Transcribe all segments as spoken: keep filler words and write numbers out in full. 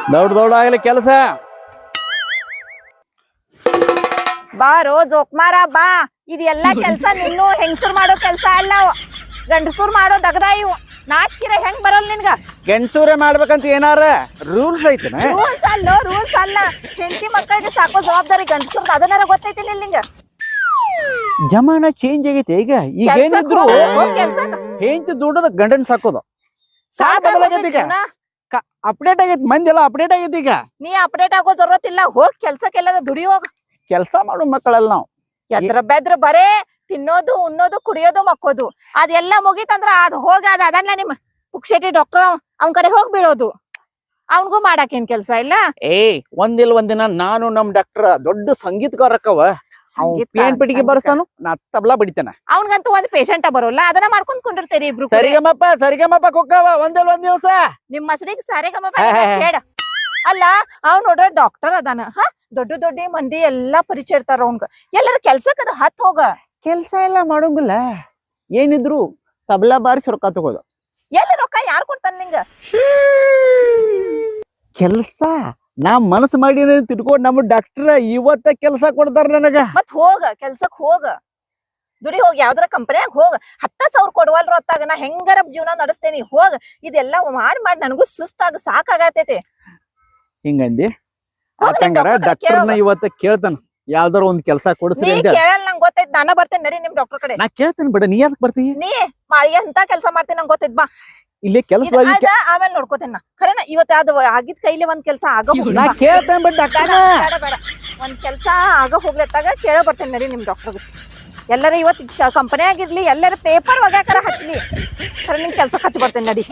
ದೌಡ್ ದೌಡ್ ಆಗ್ಲಿ ಕೆಲಸ. ಬಾರೋ ಜೋಕ್ಮಾರ ಬಾ. ಇದೆಲ್ಲಾ ಕೆಲ್ಸ ನಿನ್ನು ಹೆಂಗಸರು ಮಾಡೋ ಕೆಲ್ಸ ಅಲ್ಲ, ಗಂಡಸೂರ್ ಮಾಡೋ ದಗದ ಇವು. ನಾಚ್ಕಿರ ಹೆಂಗ್ ಬರಲ್ ನಿನ್ಗ? ಗಂಡಸೂರೇ ಮಾಡ್ಬೇಕಂತ ಏನಾರ ರೂಲ್ಸ್ ಐತನ? ರೂಲ್ಸ್ ಅಲ್ಲ ರೂಲ್ಸ್ ಅಲ್ಲ, ಹೆಂಡತಿ ಮಕ್ಕಳಿಗೆ ಸಾಕೋ ಜವಾಬ್ದಾರಿ ಗಂಡಸೂರ್ದ. ಅದನ್ನಾರ ಗೊತ್ತೈತಿ ನಿಂಗ? ಜಮಾನ ಚೇಂಜ್ ಆಗೈತೆ ಈಗ. ಈಗ ಏನಿದ್ರು ಹೆಂಡತಿ ದುಡ್ಡದ ಗಂಡನ್ ಸಾಕೋದು ಅಪ್ಡೇಟ್ ಆಗೈತಿ. ಮಂದಿ ಎಲ್ಲ ಅಪ್ಡೇಟ್ ಆಗೈತಿ ಈಗ. ನೀ ಅಪ್ಡೇಟ್ ಆಗೋ ಜರೂರತ್ ಇಲ್ಲ. ಹೋಗ್ ಕೆಲ್ಸಕ್ಕೆಲ್ಲಾರ ದುಡಿ ಹೋಗ. ಕೆಲ್ಸ ಮಾಡೋ ಮಕ್ಕಳಲ್ಲ ನಾವು. ಎದ್ರ ಬೆದ್ರ ಬರೇ ತಿನ್ನೋದು ಉಣ್ಣೋದು ಕುಡಿಯೋದು ಮಕ್ಕೋದು. ಅದೆಲ್ಲ ಮುಗೀತಂದ್ರ ಅದ್ ಹೋಗ ಅದ ಅದನ್ನ ನಿಮ್ ಪುಕ್ಷೇಟಿ ಡಾಕ್ಟರ್ ಅವನ್ ಕಡೆ ಹೋಗ್ ಬೀಳೋದು. ಅವನ್ಗೂ ಮಾಡಾಕೇನ್ ಕೆಲ್ಸ ಇಲ್ಲ. ಏ ಒಂದಿಲ್ ಒಂದಿನ ನಾನು ನಮ್ ಡಾಕ್ಟರ್ ದೊಡ್ಡ ಸಂಗೀತಗಾರಕ್ಕವ ಪೇನ್ ಪಿಟಿಗೆ ಬರ್ತಾನು, ನಾ ತಬ್ಲಾ ಬಡಿತಾನ. ಅವನ್ಗಂತೂ ಒಂದ್ ಪೇಷಂಟ ಬರೋಲ್ಲ, ಅದನ್ನ ಮಾಡ್ಕೊಂಡ್ ಕುಂಡಿರ್ತೇರಿ ಇಬ್ರು. ಸರಿಗಮಪ್ಪ ಸರಿಗಮಪ್ಪ ಕೊಕ್ಕವ ಒಂದಿಲ್ ಒಂದ್ ದಿವಸ ನಿಮ್ ಮಸಡಿಗೆ ಸಾರಿಗಮಪ ಹೇಳ. ಅಲ್ಲ ಅವ್ ನೋಡ್ರ ಡಾಕ್ಟರ್ ಅದಾನ. ಹ ದೊಡ್ಡ ದೊಡ್ಡ ಮಂದಿ ಎಲ್ಲಾ ಪರಿಚಯ ಇರ್ತಾರ ಅವ್ನ್ಗ. ಎಲ್ಲರ ಕೆಲ್ಸಕ್ಕದ ಹತ್ ಹೋಗ. ಕೆಲ್ಸ ಎಲ್ಲ ಮಾಡೋಂಗಿಲ್ಲ, ಏನಿದ್ರು ತಬ್ಲಾ ಬಾರಿಸಿ ರೊಕ್ಕ ತಗೋದು. ಎಲ್ಲ ರೊಕ್ಕ ಯಾರು ಕೊಡ್ತಾನ ನಿಂಗ? ಕೆಲ್ಸ ನಾ ಮನಸ್ಸು ಮಾಡಿ ತಿಳ್ಕೊಂಡ್ ನಮ್ಮ ಡಾಕ್ಟರ್ ಇವತ್ತ ಕೆಲ್ಸ ಕೊಡ್ತಾರ ನನಗ. ಮತ್ ಹೋಗ ಕೆಲ್ಸಕ್ ಹೋಗ, ದುಡಿ ಹೋಗಿ. ಯಾವ್ದಾರ ಕಂಪನಿಯಾಗ ಹೋಗ. ಹತ್ತ ಸಾವಿರ ಕೊಡುವಲ್ರ ಹೊತ್ತಾಗ ನಾ ಹೆಂಗಾರ ಜೀವನ ನಡೆಸ್ತೇನಿ. ಹೋಗ. ಇದೆಲ್ಲಾ ಮಾಡಿ ಮಾಡಿ ನನಗೂ ಸುಸ್ತಾಗ ಸಾಕಾಗತೈತಿ. ಹಿಂಗಂದಿ ಆತಂಗಾರ ಡಾಕ್ಟರ್ನ ಇವತ್ತ ಕೇಳ್ತಾನ, ಯಾವ್ದಾರ ಒಂದ್ ಕೆಲ್ಸ ಕೊಡ್ಸಿ ಅಂತ. ಕೇಳಲ್ಲ, ನಂಗೆ ಗೊತ್ತೈತ್. ನಾನ ಬರ್ತೇನೆ ನಡಿ ನಿಮ್ ಡಾಕ್ಟರ್ ಕಡೆ. ನಾ ಕೇಳ್ತೇನೆ ಬಿಡ, ನೀ ಯಾಕೆ ಬರ್ತೀವಿ? ನೀ ಎಂತ ಕೆಲ್ಸ ಮಾಡ್ತೀನಿ ನಂಗೆ ಗೊತ್ತೈತ್. ಬಾ ಇಲ್ಲಿ ಕೆಲಸ ಆಮೇಲೆ ನೋಡ್ಕೋತೇನ. ಖರೇನ ಇವತ್ತ ಅದು ಆಗಿದ್ ಕೈಲಿ ಒಂದ್ ಕೆಲ್ಸ ಆಗ ನಾ ಕೇಳ್ತೇನೆ ಬಿಡ ಡಾಕ್ಟರ್. ಬೇಡ ಬೇಡ, ಒಂದ್ ಕೆಲ್ಸ ಆಗ ಹೋಗ್ಲತ್ತಾಗ ಕೇಳ ಬರ್ತೇನೆ ನಡಿ ನಿಮ್ ಡಾಕ್ಟರ್. ಎಲ್ಲರ ಇವತ್ ಕಂಪನಿ ಆಗಿರ್ಲಿ, ಎಲ್ಲರ ಪೇಪರ್ ಒಗ್ಯಾಕರ ಹಚ್ಲಿ, ಖರೆ ನಿಮ್ ಕೆಲ್ಸಕ್ಕೆ ಹಚ್ಚ ಬರ್ತೇನೆ ನಡಿ.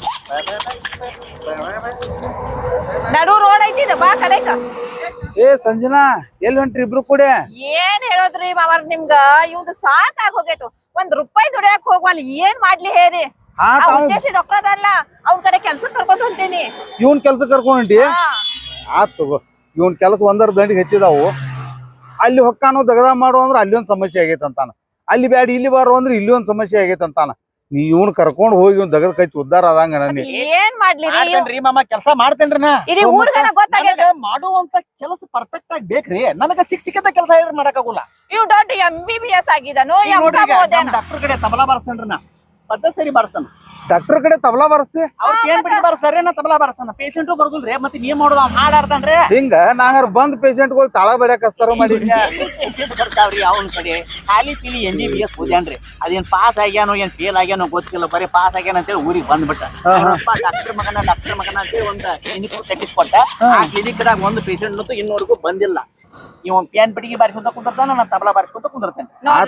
ನಡು ರೋಡ್ ಐತಿ ಬಾ ಕಡೆಕ. ಏ ಸಂಜನಾ, ಎಲ್ಲಿ ಹೊಂಟ್ರಿ ಇಬ್ರು ಕೂಡ? ಏನ್ ಹೇಳೋದ್ರಿ ಮಾವರ್ ನಿಮ್ಗ, ಇವ್ದು ಸಾಕಾಗ ಹೋಗೈತು. ಒಂದ್ ರೂಪಾಯಿ ದುಡಿಯಾಕ ಹೋಗ್ವಲ್. ಏನ್ ಮಾಡ್ಲಿ ಹೇರಿ? ಡಾಕ್ಟರ್ ಅದಲ್ಲ, ಅವ್ನ ಕಡೆ ಕೆಲ್ಸ ಕರ್ಕೊಂಡು ಹೊಂಟೇನಿ. ಇವನ್ ಕೆಲ್ಸ ಕರ್ಕೊಂಡ್ ಹೊಂಟಿ? ಆತ್ ತಗೋ. ಇವನ್ ಕೆಲಸ ಒಂದರ ದಂಡಿಗೆ ಹೆಚ್ಚಿದಾವು. ಅಲ್ಲಿ ಹೊಕ್ಕಾನು ದಗದ ಮಾಡು ಅಂದ್ರ ಅಲ್ಲಿ ಒಂದ್ ಸಮಸ್ಯೆ ಆಗೈತೆ ಅಂತಾನ. ಅಲ್ಲಿ ಬ್ಯಾಡ ಇಲ್ಲಿ ಬಾರೋ ಅಂದ್ರೆ ಇಲ್ಲಿ ಒಂದ್ ಸಮಸ್ಯೆ ಆಗೈತೆ ಅಂತಾನ. ನೀ ಇವ್ನ ಕರ್ಕೊಂಡ್ ಹೋಗಿ ಇವ್ನ ದಗದ ಕೈ ಉದ್ದಾರ ಆದಂಗ ನನಗೆ. ಏನ್ ಮಾಡ್ಲಿ ಮಾಮ, ಕೆಲ್ಸ ಮಾಡ್ತೇನ್ರಿ ನಾ. ಇಡೀ ಊರ್ಗನ ಗೊತ್ತಾಗೈತೆ. ಮಾಡುವಂತ ಕೆಲಸ ಪರ್ಫೆಕ್ಟ್ ಆಗಿ ಬೇಕ್ರಿ. ನನಗ ಸಿಕ್ ಸಿಕ್ಕಂತ ಕೆಲಸ ಹೇಳಿ ಮಾಡಕ್ಕಾಗಲ್ಲ. ಇವ್ ದೊಡ್ಡ ಎಂ ಬಿ ಬಿ ಎಸ್ ಆಗಿದಾನು. ಡಾಕ್ಟರ್ ಕಡೆ ತಬಲಾ ಬಾರಿಸ್ತೇನ್ರಿ ನಾ. ಪದ್ಧತಿ ಸರಿ ಬಾರಿಸ್ತಾನ. ಡಾಕ್ಟರ್ ಕಡೆ ತಬಲಾ ಬಾರಿಸ್ತಿ? ಅವ್ರ ಏನ್ ಬಿಟ್ಟು ಬಾರಿಸ್ತಾರ, ನಾ ತಬಲಾ ಬಾರಿಸ್ತಾನ. ಪೇಷಂಟು ಬರ್ದಲ್ರಿ, ಮತ್ತೆ ನೀವ್ ಮಾಡೋದು ಅವ್ನ ಹಾಡಾಡ್ತಾನ್ರಿ. ಹಿಂಗ ನಾಂಗಾರ ಬಂದ್ ಪೇಷಂಟ್ಗಳು ತಾಳ ಬಡಿಯಾಕ ಹಚ್ತಾರ ಮಾಡಿ. ಪೇಷಂಟ್ ಬರ್ತಾವ್ರಿ ಅವನ ಕಡೆ. ಖಾಲಿ ಪೀಲಿ ಎಂ ಬಿ ಬಿ ಎಸ್ ಓದ್ಯಾನ್ರಿ. ಅದೇನ್ ಪಾಸ್ ಆಗ್ಯಾನೋ ಏನ್ ಫೇಲ್ ಆಗ್ಯಾನೋ ಗೊತ್ತಿಲ್ಲ, ಬರೀ ಪಾಸ್ ಆಗ್ಯಾನ ಅಂತೇಳಿ ಊರಿಗೆ ಬಂದ್ಬಿಟ್ಟ. ಡಾಕ್ಟರ್ ಮಗನ ಡಾಕ್ಟರ್ ಮಗನ ಅಂತೇಳಿ ಒಂದ್ ಕ್ಲಿನಿಕ್ ಕಟ್ಟಿಸ್ಕೊಟ್ಟ. ಆ ಕ್ಲಿನಿಕ್ ದಾಗ ಒಂದು ಪೇಷಂಟ್ ಅಂತೂ ಇನ್ನೂವರೆಗೂ ಬಂದಿಲ್ಲ. ಇವ್ ಪ್ಯಾನ್ ಪಟಿಗೆ ಬಾರಿಸ್ಕೊಂತ ಕುಂದಿರ್ತಾನ, ನಾ ತಬಲಾ ಬಾರಿಸ್ಕೊಂತ ಕುಂದಿರ್ತೇನೆ.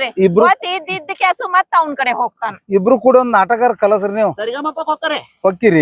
ಮತ್ತ ಅವನ ಕಡೆ ಹೋಗ್ತಾನ. ಇಬ್ರು ಕೂಡ ಒಂದ್ ನಾಟಕ ಕಲಸ್ರಿ ನೀವು. ಸರಿಗಮಪ್ಪ ಹೋಗ್ತಾರೆ ಹೋಗ್ತೀರಿ?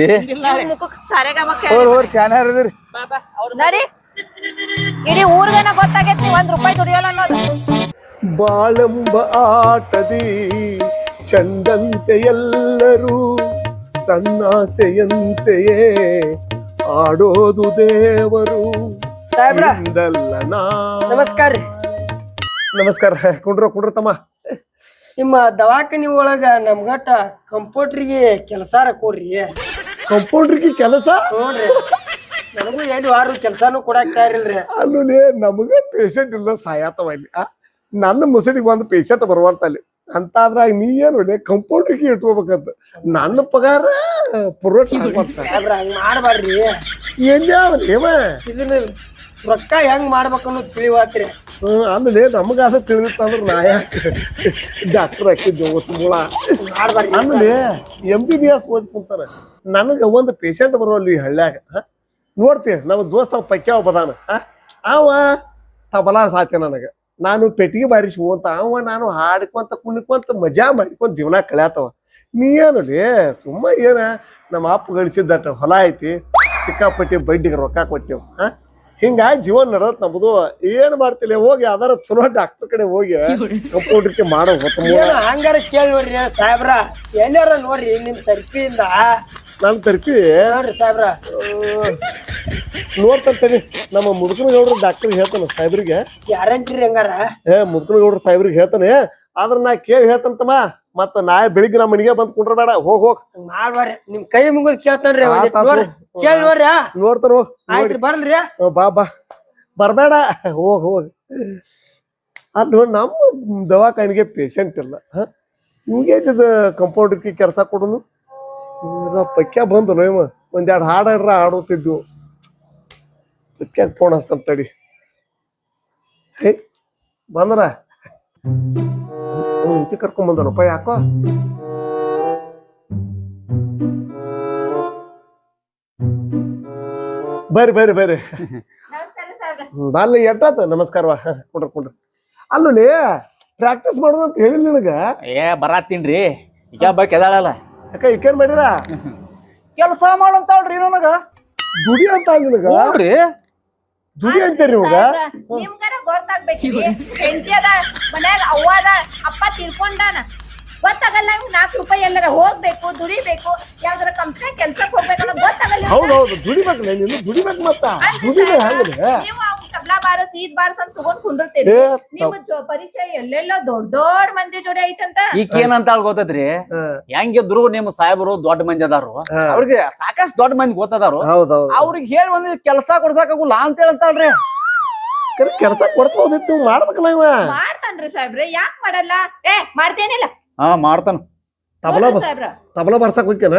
ಶಾನ್ಯಾರದಿರಿ ನಡಿ. ಇಡೀ ಊರ್ಗನ ಗೊತ್ತಾಗೈತಿ ಒಂದ್ ರೂಪಾಯಿ ದುಡಿಯಲ್ಲ ಅನ್ನೋದು. ಬಾಳೆಂಬ ಆಟದಿ ಚಂದಂತೆ ಎಲ್ಲರೂ ತನ್ನಾಸೆಯಂತೆಯೇ ಆಡೋದು ದೇವರು. ಸಾಹೇಬ್ರ ನಮಸ್ಕಾರ ರೀ. ನಮಸ್ಕಾರ. ಕುಂಡ್ರ ಕುಂಡ್ರ ತಮ್ಮ. ನಿಮ್ಮ ದವಾಖಾನಿ ಒಳಗ ನಮ್ಗಟ್ಟ ಕಂಪೌಂಡ್ರಿಗೆ ಕೆಲಸಾರ ಕೊಡ್ರಿ. ಕಂಪೌಂಡ್ರಿಗೆ ಕೆಲಸ? ನೋಡ್ರಿ, ನನಗೂ ಎರಡು ವಾರ ಕೆಲ್ಸಾನು ಕೊಡಾಕ್ ತಯಾರಿಲ್ರಿ. ಅಲ್ಲಿ ನಮಗ ಪೇಷಂಟ್ ಇಲ್ಲ, ಸಾಯತವ ಇಲ್ಲಿ. ನನ್ನ ಮುಸಡಿಗೆ ಒಂದು ಪೇಷಂಟ್ ಬರುವಂತಲ್ಲಿ ಅಂತಾದ್ರಾಗ ನೀ ಏನು ಕಂಪೌಂಡ್ರಿಗೆ ಇಟ್ಕೋಬೇಕಂತ. ನನ್ನ ಪಗಾರ ಪುರೋಟ ಹಂಗ ಮಾಡ್ಬಾರ್ರಿ. ಏನ್ ಇದನ್ನ ರೊಕ್ಕ ಹೆಂಗ್ ಮಾಡ್ಬೇಕನ್ನೋ ತಿಳಿವಾತ್ರಿ. ಹ್ಮ್ ಅಂದ್ರೆ ನಮಗಾದ ತಿಳಿದಿತ್ತಂದ್ರ ನಾ ಯಾಕೆ ಡಾಕ್ಟರ್ ಹಾಕಿದ್ದೆ ಮೂಳ ಮಾಡ್ಬಾರ್ರಿ. ಅಂದ್ರೆ ಎಂ ಬಿ ಬಿ ಎಸ್ ಓದ್ ಕುಂತಾರ. ನನಗ ಒಂದು ಪೇಷಂಟ್ ಬರೋಲ್ಲ ಈ ಹಳ್ಳ್ಯಾಗ. ನೋಡ್ತಿ ನಮ್ಮ ದೋಸ್ತ ಪಕ್ಯಾವ ಬದಾನ, ಅವ ತಬಲಾ ಸಾಧ್ಯ ನನಗ. ನಾನು ಪೆಟ್ಟಿಗೆ ಬಾರಿಸಿ ಹೋಂತ ಅವ ನಾನು ಹಾಡ್ಕೊಂತ ಕುಣಿಕೊಂತ ಮಜಾ ಮಾಡ್ಕೊಂತ ಜೀವನ ಕಳ್ಯಾತವ. ನೀ ಏನು ಸುಮ್ಮ ಏನ ನಮ್ಮ ಅಪ್ಪ ಗಳಿಸಿದ್ದಟ ಹೊಲ ಐತಿ, ಸಿಕ್ಕಾಪಟ್ಟಿ ಬಡ್ಡಿಗೆ ರೊಕ್ಕ ಕೊಟ್ಟೆವು. ಹಾ ಹಿಂಗಾಗಿ ಜೀವನ ನಡತ್ ನಮ್ದು. ಏನ್ ಮಾಡ್ತಿಲ್ಲ, ಹೋಗಿ ಯಾವ್ದಾರ ಚಲೋ ಡಾಕ್ಟರ್ ಕಡೆ ಹೋಗಿ ಕಂಪೌಂಡ್ರಿಗೆ ಮಾಡೋ. ಹಂಗಾರ ಕೇಳಿ ನೋಡ್ರಿ ಸಾಹೇಬ್ರ, ಎಲ್ಲಾರ ನೋಡ್ರಿ ನಿಮ್ ತರ್ಪಿಯಿಂದ. ನನ್ ತರ್ಪಿ ನೋಡ್ರಿ ಸಾಹೇಬ್ರ, ನೋಡ್ತಂತೇನಿ. ನಮ್ಮ ಮುದುಕನಗೌಡ್ರ ಡಾಕ್ಟರ್ ಹೇಳ್ತಾನ ಸಾಹೇಬ್ರಿಗೆ. ಗ್ಯಾರಂಟಿ ಹಂಗಾರ? ಏ ಮುದುಕನಗೌಡ್ರ ಸಾಹೇಬ್ರಿಗೆ ಹೇಳ್ತಾನೆ. ಆದ್ರ ನಾ ಕೇಳಿ ಹೇಳ್ತಂತಮ್ಮ, ಮತ್ತ ನಾಳೆ ಬೆಳಿಗ್ಗೆ ನಮ್ಮ ಮನೆಗೆ ಬಂದ್ ಕುಂಡ್ರ ಬೇಡ ಹೋಗ್ ಹೋಗ್ ಮಾಡ್ಬಾರ್ರಿ ನಿಮ್ ಕೈ ಮುಗಿದ್ ಕೇಳ್ತಾನ್ರಿ ಒಂದಿಟ್ ಆತ್ ಆತ್ ನೋಡ್ರಿ ಕೇಳಿ ನೋಡ್ರಿ ಆ? ನೋಡ್ತಾರ ಹೋಗ್ ಆಯ್ತ್ರಿ ಬರ್ಲ್ರಿ ಹ್ಮ್, ಬಾ ಬಾ ಬರ್ಬೇಡ ಹೋಗ್ ಹೋಗ್ ಅಲ್ಲ ನಮ್ಮ ದವಾಖಾನಿಗೆ ಪೇಷಂಟ್ ಇಲ್ಲ ನಿಮ್ಗೆ ಕಂಪೌಂಡರ್ಗೆ ಕೆಲಸ ಕೊಡೋನು ಪಕ್ಯ ಬಂದಲ್ಲ ಇವ ಒಂದೆರಡು ಹಾಡು ಹಾಡ್ರ ಹಾಡುತ್ತಿದ್ವು ಪಕ್ಯಾಗ ಫೋನ್ ಹಚ್ತಾನ ತಡಿ ಹೇ ಬಂದ್ರ ಇಂತಿ ಕರ್ಕೊಂಡ್ ಬಂದನಪ್ಪ ಯಾಕೋ ಬರ್ರಿ ಬರ್ರಿ ಬರ್ರಿ ನಮಸ್ಕಾರ ಸಾಹೇಬ್ರ. ಅಲ್ಲಿ ಎಟ್ಟಾತ ನಮಸ್ಕಾರವಾ ಕುಂಡ್ರ ಕುಂಡ್ರ ಅಲ್ಲಿ ಪ್ರಾಕ್ಟೀಸ್ ಮಾಡೋದು ಅಂತ ಹೇಳಿಲ್ಲ ನಿನಗ ಏ ಬರಾತೀನ್ರಿ ಈಗ ಬಕ್ ಎದಾಳಲ್ಲ ಯಾಕ ಈಕೇನ್ ಮಾಡಿರ ಕೆಲಸ ಮಾಡಂತಾಳ್ರಿ ನನಗ ದುಡಿ ಅಂತ ನಿನಗ ನೋಡ್ರಿ ದುಡಿ ಅಂತೀರಿ ನಿಮಗ ಸಾಹೇಬ್ರ, ನಿಮ್ಗರ ಗೊತ್ತಾಗ್ಬೇಕ್ರಿ ಹೆಂಡತಿ ಅದ ಮನ್ಯಾಗ ಅವ್ವ ಅದ ಅಪ್ಪ ತಿರ್ಕೊಂಡಾನ ಗೊತ್ತಾಗಲ್ಲ ನಿಮ್ಗೆ ನಾಲ್ಕು ರೂಪಾಯಿ ಎಲ್ಲಾರ ಹೋಗ್ಬೇಕು ದುಡಿಬೇಕು ಯಾವ್ದಾರ ಕಂಪ್ನಿ ಕೆಲ್ಸಕ್ ಹೋಗ್ಬೇಕು ಅನ್ನೋದು ಗೊತ್ತಾಗಲ್ಲ ಹೌದೌದು ದುಡಿಬೇಕಲ್ಲ ನೀನು ದುಡಿಬೇಕು ಮತ್ತ ದುಡಿದೆ ಹಂಗಲಿ ನೀವು ಅವ್ನ್ ತಬ್ಲಾ ಬಾರಸ್ ಈದ್ ಬಾರಸ್ ಅಂತ ತಗೊಂಡ್ ಕುಂಡಿರ್ತೀರಿ ಏ ನಿಮ್ ಜೊ- ಪರಿಚಯ ಎಲ್ಲೆಲ್ಲೋ ದೊಡ್ಡ ದೊಡ್ಡ ಮಂದಿ ಜೋಡಿ ಐತಂತ ಈಗ ಏನಂತ ಗೊತ್ತೈತ್ರಿ ಹೆಂಗಿದ್ರು ನಿಮ್ ಸಾಹೇಬರು ದೊಡ್ಡ ಮಂದಿ ಅದಾರು ಅವ್ರಿಗೆ ಸಾಕಷ್ಟು ದೊಡ್ಡ ಮಂದಿ ಗೊತ್ತದಾರು ಹೌದೌದು ಅವ್ರಿಗೆ ಹೇಳಿ ಒಂದ್ ಕೆಲಸ ಕೊಡ್ಸಾಕಾಗುಲ್ಲ ಅಂತ ಹೇಳಂತಾಳ್ರಿ ಕೆಲಸ ಕೊಡ್ಸ್ಬೋದಿತ್ತು ಮಾಡ್ಬೇಕಲ್ಲ ಇವ ಮಾಡ್ತಾನ್ರಿ ಸಾಹೇಬ್ರೆ ಯಾಕ್ ಮಾಡಲ್ಲ ಏ ಮಾಡ್ತೇನಿಲ್ಲ ಹಾ ಮಾಡ್ತಾನ ತಬಲಾ ನೋಡ್ರಿ ಬ- ಸಾಹೇಬ್ರ ತಬಲಾ ಬರ್ಸಕ್ ಹೋಗ್ಯಾನ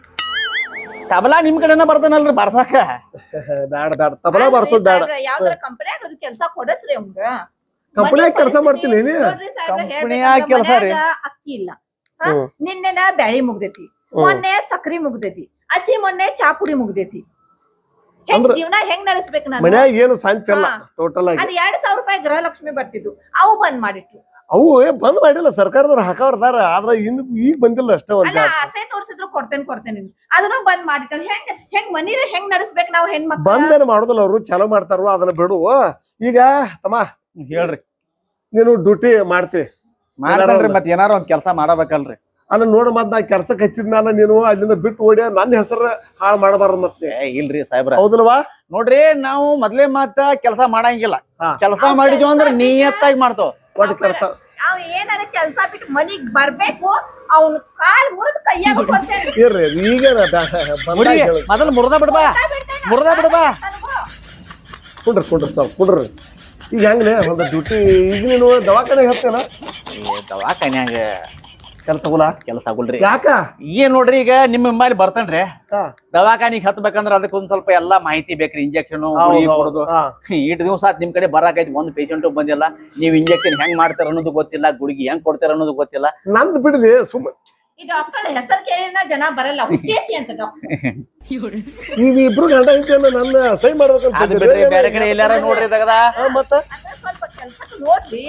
ತಬಲಾ ನಿಮ್ ಕಡೆನ ಬರ್ತಾನಲ್ರಿ ಬರ್ಸಾಕ ಬ್ಯಾಡ ಬ್ಯಾಡ ತಬಲಾ ಬರ್ಸೋದ್ ಬ್ಯಾಡ ಯಾವ್ದಾರ ಕಂಪನ್ಯಾಗ ಅದು ಕೆಲ್ಸ ಕೊಡಸ್ರಿ ಅವಂಗ ಕಂಪನ್ಯಾಗ ಕೆಲಸ ಮಾಡ್ತೀನಿ ನೀ ನೋಡ್ರಿ ಸಾಹೇಬ್ರ, ಕಂಪನ್ಯಾಗ ಹೇಳ್ಬೇಕಂದ್ರ ಕೆಲ್ಸ ರೀ. ಮನ್ಯಾಗ ಅಕ್ಕಿ ಇಲ್ಲ ಹಾ? ಹ್ಮ್. ನಿನ್ನೆನ ಬ್ಯಾಳಿ ಮುಗ್ದೈತಿ ಮೊನ್ನೆ ಸಕ್ರಿ ಮುಗ್ದೈತಿ ಅಚ್ಚಿ ಮೊನ್ನೆ ಚಾ ಪುಡಿ ಮುಗ್ದೈತಿ ಹೆಂಗ್ ಅಂದ್ರ- ಜೀವನ ಹೆಂಗ್ ನಡೆಸ್ಬೇಕು ನಾನು ಮನ್ಯಾಗ ಏನು ಸಾಂತಿ ಇಲ್ಲ ಹಾ. ಟೋಟಲ್ ಆಗಿ ಅದ್ ಎರಡ್ ಸಾವಿರ ರೂಪಾಯಿ ಗೃಹಲಕ್ಷ್ಮಿ ಬರ್ತಿದ್ವು ಅವು ಬಂದ್ ಮಾಡಿಟ್ರು ಅವು ಏ ಬಂದ್ ಮಾಡಿಲ್ಲ ಸರ್ಕಾರದವ್ರು ಹಾಕವ್ರದಾರ ಆದ್ರ ಇನ್ನು ಈಗ ಬಂದಿಲ್ಲ ಅಷ್ಟೇ ಒಂದ್ ಅಲ್ಲ ಆಸೆ ತೋರ್ಸಿದ್ರು ಕೊಡ್ತೇನೆ ಕೊಡ್ತೇನೆ ಅಂತ. ಅದನ್ನು ಬಂದ್ ಮಾಡಿಟ್ರು ಹೆಂಗ್ ಹೆಂಗ್ ಮನಿರ ಹೆಂಗ್ ನಡೆಸ್ಬೇಕು ನಾವು ಹೆಣ್ಮಕ್ಳು ಬಂದೇನು ಮಾಡೋದಿಲ್ಲ ಅವ್ರು ಚಲೋ ಮಾಡ್ತಾರ ಅದನ್ನ ಬಿಡು ಈಗ ತಮ್ಮ ಹೇಳ್ರಿ ನೀನು ಡ್ಯೂಟಿ ಮಾಡ್ತಿ ಮಾಡ್ತಾನ್ರಿ ಮತ್ ಏನಾರ ಒಂದ್ ಕೆಲಸ ಮಾಡಬೇಕಲ್ರಿ ಅಲ್ಲ ನೋಡ ಮತ್ ನಾ ಕೆಲ್ಸಕ್ಕೆ ಹಚ್ಚಿದ್ಮೇಲೆ ನೀನು ಅಲ್ಲಿಂದ ಬಿಟ್ಟು ಓಡಿ ನನ್ನ ಹೆಸರು ಹಾಳು ಮಾಡಬಾರ್ದು ಮತ್ತೆ ಏ ಇಲ್ರಿ ಸಾಹೇಬ್ರ ಹೌದಲ್ವಾ ನೋಡ್ರಿ ನಾವು ಮೊದ್ಲೇ ಮಾತ ಕೆಲಸ ಮಾಡಂಗಿಲ್ಲ ಹಾ. ಕೆಲಸ ಮಾಡಿದ್ವಿ ಅಂದ್ರ ನಿಯತ್ತಾಗಿ ಮಾಡ್ತಾವ ಒಟ್ಟು ಕೆಲಸ ಅವ್ ಏನಾರ ಕೆಲ್ಸ ಬಿಟ್ಟು ಮನಿಗ್ ಬರ್ಬೇಕು ಅವ್ನ ಕಾಲ್ ಮುರಿದ್ ಕೈಯಾಗ ಕೊಡ್ತೇನೆ ಇರ್ರಿ ಈಗ ಮುರಿ ಮೊದಲು ಮುರ್ದ ಬಿಡ್ಬಾ ಮುರ್ದ ಬಿಡ್ಬಾ ಕುಂಡ್ರಿ ಕುಂಡ್ರಿ ಸ್ವಲ್ಪ ಕುಂಡ್ರಿ ಈಗ ಹೆಂಗ್ಲೆ ಒಂದು ಡ್ಯೂಟಿ ಈಗ ನೀನು ದವಾಖಾನೆ ಹತ್ತೇನ ಏ ದವಾಖಾನ್ಯಾಗ ಕೆಲಸ ಗುಲ ಕೆಲಸ ಆಗುಲ್ರಿ ಯಾಕ ಏನ್ ನೋಡ್ರಿ ಈಗ ನಿಮ್ಮ ಮೇಲೆ ಬರ್ತೇನ್ರಿ ಹಾ. ದವಾಖಾನಿಗ್ ಹತ್ಬೇಕಂದ್ರ ಅದಕ್ಕೆ ಒಂದ್ ಸ್ವಲ್ಪ ಎಲ್ಲಾ ಮಾಹಿತಿ ಬೇಕ್ರಿ ಇಂಜೆಕ್ಷನ್ ಹೌದ್ ಹೌದ್. ಹಾ. ಇಟ್ ದಿವಸ ಆತ್ ನಿಮ್ ಕಡೆ ಬರಾಕೈತಿ ಒಂದ್ ಪೇಷಂಟ್ ಬಂದಿಲ್ಲ ನೀವ್ ಇಂಜೆಕ್ಷನ್ ಹೆಂಗ್ ಮಾಡ್ತಾರ ಅನ್ನೋದು ಗೊತ್ತಿಲ್ಲ ಗುಳಿಗೆ ಹೆಂಗ್ ಕೊಡ್ತಾರ ಅನ್ನೋದು ಗೊತ್ತಿಲ್ಲ ನಂದ್ ಬಿಡ್ಲಿ ಸುಮ್ಮ ಈ ಡಾಕ್ಟರ್ ಹೆಸರು ಕೇಳಿನ ಜನ ಬರಲ್ಲ ಹುಚ್ಚೇಸಿ ಅಂತ ಡಾಕ್ಟರ್ ನೀವ್ ಇಬ್ರು ಗಂಡ ಐತೇನ ನನ್ನ ಸೈ ಮಾಡ್ಬೇಕಂತ ಅದ್ ಬಿಟ್ರಿ ಬೇರೆ ಕಡೆ ಎಲ್ಲಾರ ನೋಡ್ರಿ ತಗದ ಮತ್ತ ಅಂದ್ರೆ ಸ್ವಲ್ಪ ಕೆಲ್ಸಕ್ಕೆ ನೋಡ್ರಿ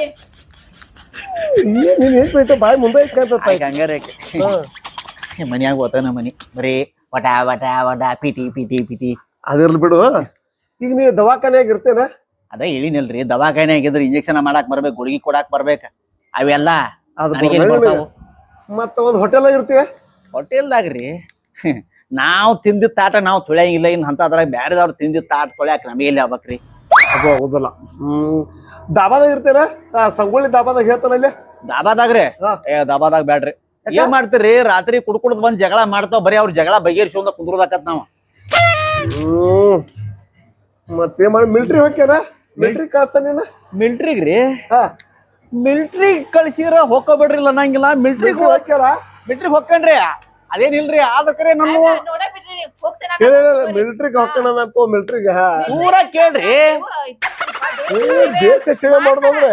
ಏನ್ ನೀನ್ ಏನ್ ಬಿಟ್ಟು ಬಾಯಿ ಮುಂದೆ ಇಟ್ಕೊಂತ ಹಂಗಾರೆ ಮನ್ಯಾಗ ಓತಾನ ಮನಿ ಬರೀ ವಟ ವಟ ವಟ ಪಿಟಿ ಪಿಟಿ ಪಿಟಿ ಅದಿರ್ಲಿ ಬಿಡು ಈಗ ನೀ ದವಾಖಾನೆಯಾಗ ಇರ್ತೇನ ಅದ ಹೇಳಿನಲ್ರಿ ದವಾಖಾನ್ಯಾಗ ಇದ್ರ ಇಂಜೆಕ್ಷನ್ ಮಾಡಾಕ್ ಬರ್ಬೇಕು ಗುಳಿಗೆ ಕೊಡಾಕ್ ಬರ್ಬೇಕ ಅವೆಲ್ಲ ಅದು ನನಗೇನ್ ಬರ್ತಾವು ಮತ್ತ ಒಂದ್ ಹೋಟೆಲ್ ಇರ್ತೀಯ ಹೋಟೆಲ್ದಾಗ್ರಿ ನಾವ್ ತಿಂದಿದ್ ತಾಟ ನಾವ್ ತೊಳ್ಯಾಂಗಿಲ್ಲ ಇನ್ ಅಂತದ್ರಾಗ ಬ್ಯಾರೆದವ್ರು ತಿಂದಿದ್ ತಾಟ ತೊಳ್ಯಾಕ ನಮಗೆ ಎಲ್ಲಿ ಆಗ್ಬೇಕ್ರಿ ಅದು ಆಗುದಿಲ್ಲ ಹ್ಮ್ ದಾಬಾದಾಗ ಇರ್ತೇನ ಸಂಗೊಳ್ಳಿ ದಾಬಾದಾಗ ಹೇಳ್ತಾನ ಅಲ್ಲಿ ದಾಬಾದಾಗ್ರಿ ಹಾ. ಏ ದಾಬಾದಾಗ ಬ್ಯಾಡ್ರಿ ಏನ್ ಮಾಡ್ತೀರಿ ರಾತ್ರಿ ಕುಡ್ಕುಡ್ದ್ ಬಂದ್ ಜಗಳ ಮಾಡ್ತಾವ್ ಬರೀ ಅವ್ರ ಜಗಳ ಬಗೆಹರಿಸ್ಕೊಂಡ ಕುಂದ್ರದಾಕತ್ ನಾವ್ ಹ್ಮ್ ಮತ್ತೆ ಮಾಡಿ ಮಿಲ್ಟ್ರಿ ಹೋಗ್ಯಾನ ಮಿಲ್ಟ್ರಿ ಕಳ್ಸ್ತಾನ ನೀನ ಮಿಲ್ಟ್ರಿಗ್ರಿ ಹಾ ಮಿಲ್ಟ್ರಿ ಕಳ್ಸಿರ ಹೋಗ್ಕೋಬೇಡ್ರಿಲ್ಲ ಅನ್ನಂಗಿಲ್ಲ ಮಿಲ್ಟ್ರಿಗ್ ಮಿಲ್ಟ್ರಿ ಹೋಗ್ಯಾರ ಮಿಲ್ಟ್ರಿಗ್ ಹೋಗ್ಕನ್ರಿ ಅದೇನಿಲ್ರಿ ಆದ್ರ ಕರೆ ನನ್ನ ನೋಡೇ ಬಿಡ್ರಿ ನೀವು ಹೋಗ್ತೇನೆ ಮಿಲ್ಟ್ರಿಗೆ ಹೋಗ್ತಾನ ಅಂತ ಮಿಲ್ಟ್ರಿಗೆ ಪೂರ ಕೇಳ್ರಿ ದೇಶ ಸೇವೆ ಮಾಡೋದಂದ್ರೆ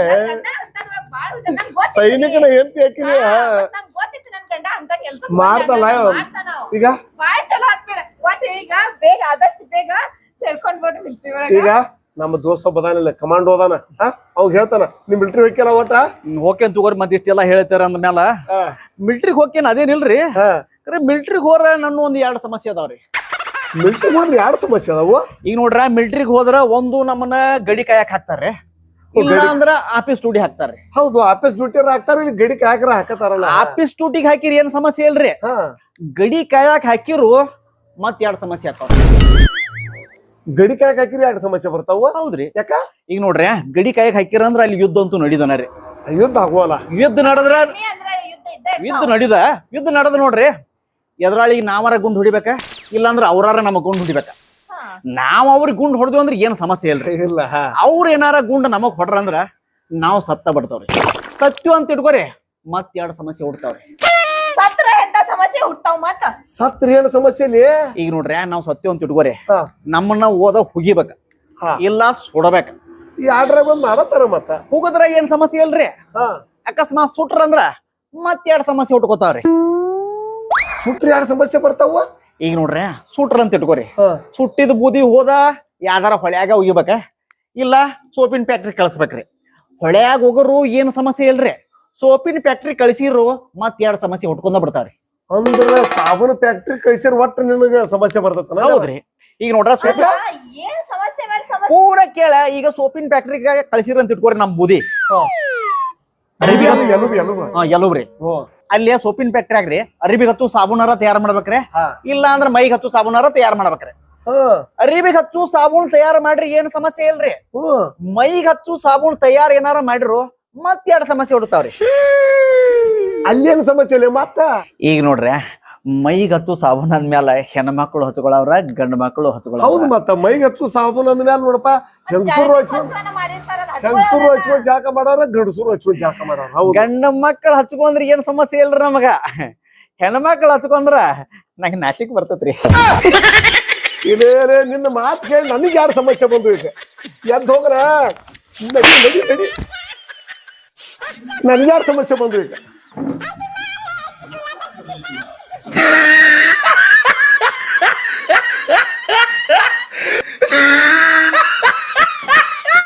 ಸೈನಿಕನ ಹೆಂಡತಿ ಹಾಕಿನಿ ಗೊತ್ತಿತ್ತು ನನ್ ಗಂಡ ಅಂತ ಕೆಲ್ಸ ಮಾಡ್ತಲ್ಲ ಈಗ ಬಾಳ್ ಚಲೋ ಆತ್ಬೇಡ ಒಟ್ ಈಗ ಬೇಗ ಆದಷ್ಟು ಬೇಗ ಸೇರ್ಕೊಂಡ್ ಬಿಟ್ಟು ಬಿಡ್ತೀವಿ ಈಗ ನಮ್ಮ ದೋಸ್ತ ಬದಾನಿಲ್ಲ ಕಮಾಂಡ್ ಹೋದಾನ ಹಾ ಅವ್ ಹೇಳ್ತಾನ ನಿಮ್ ಮಿಲ್ಟ್ರಿ ಹೋಗ್ಯಲ್ಲ ಒಟ್ಟ ಹೋಗ್ಕೇನ್ ತಗೋರಿ ಮತ್ ಇಷ್ಟೆಲ್ಲ ಹೇಳ್ತಾರ ಅಂದ್ಮೇಲ ಹಾ ಮಿಲ್ಟ್ರಿಗ್ ಹೋಗ್ಕೇನ್ ಅದೇನಿಲ್ರಿ ಹಾ ಕರೆ ಮಿಲ್ಟ್ರಿಗ್ ಹೋರ ನನ್ನ ಒಂದ್ ಎರಡ್ ಸಮಸ್ಯೆ ಅದಾವ್ರಿ ಮಿಲ್ಟ್ರಿ ಹೋದ್ರೆ ಎರಡು ಸಮಸ್ಯೆ ಅದಾವು ಈಗ ನೋಡ್ರ ಮಿಲ್ಟ್ರಿಗ್ ಹೋದ್ರ ಒಂದು ನಮ್ಮನ್ನ ಗಡಿ ಕಾಯಕ್ ಹಾಕ್ತಾರ್ರಿ ಇಲ್ಲ ಅಂದ್ರ ಆಫೀಸ್ ಡ್ಯೂಟಿ ಹಾಕ್ತಾರ್ರಿ ಹೌದು ಆಫೀಸ್ ಡ್ಯೂಟಿ ಹಾಕ್ತಾರ ಇಲ್ಲಿ ಗಡಿ ಕಾಯಕರ ಹಾಕತಾರಲ್ಲ ಆಫೀಸ್ ಡ್ಯೂಟಿಗ್ ಹಾಕಿರಿ ಏನ್ ಸಮಸ್ಯೆ ಇಲ್ರಿ ಹಾ ಗಡಿ ಕಾಯಕ್ ಹಾಕಿರು ಮತ್ ಎರಡ್ ಸಮಸ್ಯೆ ಆಕಾವ ಗಡಿ ಕಾಯಕ್ ಹಾಕಿರಿ ಎರಡು ಸಮಸ್ಯೆ ಬರ್ತಾವ ಹೌದ್ರಿ ಯಾಕ ಈಗ ನೋಡ್ರಿ ಗಡಿ ಕಾಯಕ್ ಹಾಕಿರ ಅಂದ್ರ ಅಲ್ಲಿ ಯುದ್ಧ ಅಂತೂ ನಡೀದನ ರೀ ಯುದ್ಧ ಆಗುವಲ್ಲ ಯುದ್ಧ ನಡೆದ್ರ ಅಂದ್ರೆ ಯುದ್ಧ ಯುದ್ಧ ನಡೀದ ಯುದ್ಧ ನಡೆದ ನೋಡ್ರಿ ಎದುರಾಳಿಗೆ ನಾವರ ಗುಂಡ್ ಹೊಡಿಬೇಕ ಇಲ್ಲಾಂದ್ರ ಅವ್ರಾರ ನಮಗ್ ಗುಂಡ್ ಹೊಡಿಬೇಕ ನಾವ್ ಅವ್ರಿಗೆ ಗುಂಡ್ ಹೊಡೆದ್ವಿ ಅಂದ್ರೆ ಏನ್ ಸಮಸ್ಯೆ ಇಲ್ರಿ ಇಲ್ಲ ಅವ್ರ ಏನಾರ ಗುಂಡ್ ನಮಗ್ ಹೊಡ್ರ ಅಂದ್ರ ನಾವ್ ಸತ್ತ ಬಿಡ್ತಾವ್ರಿ ಸತ್ಯು ಅಂತ ಇಟ್ಕೋರಿ ಮತ್ ಎರಡ್ ಸಮಸ್ಯೆ ಹುಡ್ತಾವ್ರಿ ಸತ್ರ ಎಂತ ಸಮಸ್ಯೆ ಹುಟ್ಟಾವ್ ಮತ್ತ ಸತ್ರಿ ಏನ್ ಸಮಸ್ಯೆ ಇಲ್ಲಿ ಈಗ ನೋಡ್ರಿ ನಾವ್ ಸತ್ಯು ಅಂತ ಇಟ್ಕೋರಿ ಹಾ. ನಮ್ಮನ್ನ ಓದ ಹುಗಿಬೇಕ ಹಾ. ಇಲ್ಲ ಸುಡಬೇಕ ಈ ಆಡ್ರಾಗ ಬಂದ್ ಮಾಡತ್ತಾರ ಮತ್ತ ಹುಗದ್ರ ಏನ್ ಸಮಸ್ಯೆ ಇಲ್ರಿ ಹಾ ಅಕಸ್ಮಾತ್ ಸುಟ್ರ ಅಂದ್ರ ಮತ್ ಎರಡ್ ಸಮಸ್ಯೆ ಹುಟ್ಕೋತಾವ್ರಿ ಸುಟ್ರಿ ಯಾರ ಸಮಸ್ಯೆ ಬರ್ತಾವ ಈಗ ನೋಡ್ರಿ ಸುಟ್ರ ಅಂತ ಇಟ್ಕೋರಿ ಹಾ. ಸುಟ್ಟಿದ ಬೂದಿ ಹೋದ ಯಾವ್ದಾರ ಹೊಳ್ಯಾಗ ಒಗಿಬೇಕ ಇಲ್ಲ ಸೋಪಿನ ಫ್ಯಾಕ್ಟ್ರಿ ಕಳ್ಸ್ಬೇಕ್ರಿ ಹೊಳ್ಯಾಗ ಹೋಗರು ಏನ್ ಸಮಸ್ಯೆ ಇಲ್ರಿ ಸೋಪಿನ ಫ್ಯಾಕ್ಟ್ರಿ ಕಳ್ಸಿರು ಮತ್ ಎರಡ್ ಸಮಸ್ಯೆ ಹುಟ್ಕೊಂಡ ಬಿಡ್ತಾವ್ರಿ ಅಂದ್ರ ಸಾಬೂನ್ ಫ್ಯಾಕ್ಟ್ರಿ ಕಳ್ಸಿರ್ ಒಟ್ಟ ನಿನಗ ಸಮಸ್ಯೆ ಬರ್ತೈತನ ಹೌದ್ರಿ ಈಗ ನೋಡ್ರ ಸೋಪಿನ ಏನ್ ಸಮಸ್ಯೆ ಮೇಲೆ ಸಮಸ್ಯೆ ಪೂರ ಕೇಳ ಈಗ ಸೋಪಿನ ಫ್ಯಾಕ್ಟ್ರಿಗೆ ಕಳ್ಸಿರ ಅಂತ ಇಟ್ಕೋರಿ ನಮ್ ಬೂದಿ ಅರಿವಿ ಅದು ಎಲುಬು ಎಲುಬು ಹಾ ಎಲ್ಲವ್ರಿ ಓ ಅಲ್ಲಿ ಸೋಪಿನ ಫ್ಯಾಕ್ಟ್ರಿ ಆಗ್ರಿ ಅರಿಬಿಗ್ ಹತ್ತು ಸಾಬೂನಾರ ತಯಾರು ಮಾಡ್ಬೇಕ್ರಿ ಹಾ. ಇಲ್ಲ ಅಂದ್ರ ಮೈಗ್ ಹತ್ತು ಸಾಬೂನಾರ ತಯಾರು ಮಾಡ್ಬೇಕ್ರಿ ಹಾ ಅರಿಬಿಗ್ ಹಚ್ಚು ಸಾಬೂನ್ ತಯಾರು ಮಾಡ್ರಿ ಏನ್ ಸಮಸ್ಯೆ ಇಲ್ರಿ ಹ್ಮ್ ಮೈಗ್ ಹಚ್ಚು ಸಾಬೂನ್ ತಯಾರು ಏನಾರ ಮಾಡಿರು ಮತ್ ಎರಡ್ ಸಮಸ್ಯೆ ಹುಡ್ತಾವ್ರಿ ಅಲ್ಲೇನು ಸಮಸ್ಯೆ ಇಲ್ಲ ಮತ್ತ ಈಗ ನೋಡ್ರಿ ಮೈಗ್ ಹತ್ತು ಸಾಬೂನ್ ಅಂದ್ಮ್ಯಾಲ ಹೆಣ್ಮಕ್ಳು ಹಚ್ಕೊಳವ್ರ ಗಂಡ ಮಕ್ಳು ಹೌದು ಹಚ್ಕೊಳವ್ರ ಮತ್ತ ಮೈಗೆ ಹಚ್ಚು ಸಾಬೂನ್ ಅಂದ್ಮೇಲೆ ನೋಡಪ್ಪ ಹೆಂಗಸರು ಹಚ್ಕೊಂಡ್ ಹೆಂಗಸರು ಹಚ್ಕೊಂಡ್ ಜಾಕ ಮಾಡಾರ ಗಂಡಸರು ಹಚ್ಕೊಂಡ್ ಜಾಕ ಮಾಡಾರ ಹೌದು ಗಂಡ ಮಕ್ಳು ಹಚ್ಕೊಂಡ್ರ ಏನ್ ಸಮಸ್ಯೆ ಇಲ್ರಿ ನಮಗ ಹೆಣ್ಮಕ್ಳು ಹಚ್ಕೊಂಡ್ರ ನಂಗೆ ನಾಚಿಕ್ ಬರ್ತೈತ್ರಿ ಇದೇ ನಿನ್ನ ಮಾತು ಕೇಳಿ ನನಗೆ ಯಾರು ಸಮಸ್ಯೆ ಬಂದು ಈಗ ಎದ್ದು ಹೋಗ್ರ ನಡಿ ನಡಿ ನಡಿ ನನಗೆ ಯಾರು ಸಮಸ್ಯೆ ಬಂದು ಈಗ